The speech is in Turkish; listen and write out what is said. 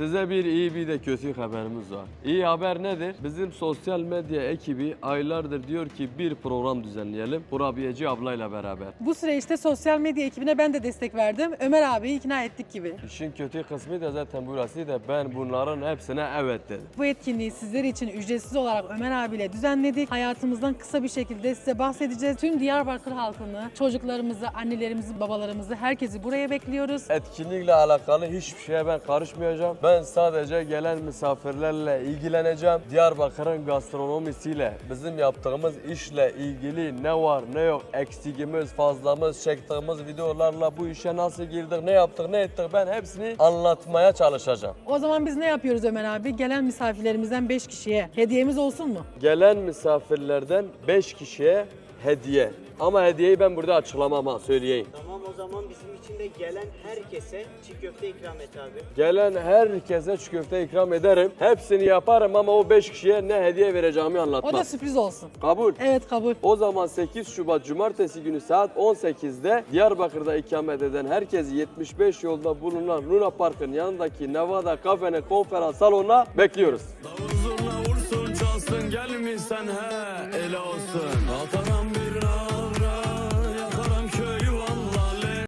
Size bir iyi bir de kötü haberimiz var. İyi haber nedir? Bizim sosyal medya ekibi aylardır diyor ki bir program düzenleyelim kurabiyeci ablayla beraber. Bu süreçte sosyal medya ekibine ben de destek verdim. Ömer abiyi ikna ettik gibi. İşin kötü kısmı da zaten burası da ben bunların hepsine evet dedim. Bu etkinliği sizler için ücretsiz olarak Ömer abiyle düzenledik. Hayatımızdan kısa bir şekilde size bahsedeceğiz. Tüm Diyarbakır halkını, çocuklarımızı, annelerimizi, babalarımızı, herkesi buraya bekliyoruz. Etkinlikle alakalı hiçbir şeye ben karışmayacağım. Ben sadece gelen misafirlerle ilgileneceğim. Diyarbakır'ın gastronomisiyle, bizim yaptığımız işle ilgili ne var ne yok, eksikimiz, fazlamız, çektiğimiz videolarla bu işe nasıl girdik, ne yaptık, ne ettik ben hepsini anlatmaya çalışacağım. O zaman biz ne yapıyoruz Ömer abi? Gelen misafirlerimizden 5 kişiye hediyemiz olsun mu? Gelen misafirlerden 5 kişiye hediye. Ama hediyeyi ben burada açıklamam ha, söyleyeyim. Tamam, o zaman bizim için de gelen herkese çiğ köfte ikram et abi. Gelen herkese çiğ köfte ikram ederim. Hepsini yaparım ama o 5 kişiye ne hediye vereceğimi anlatmam. O da sürpriz olsun. Kabul. Evet, kabul. O zaman 8 Şubat Cumartesi günü saat 18'de Diyarbakır'da ikamet eden herkesi 75 yolda bulunan Luna Park'ın yanındaki Nevada Kafe'nin konferans salonuna bekliyoruz. Davul zurna vursun çalsın gelmişsen he ele olsun. Altan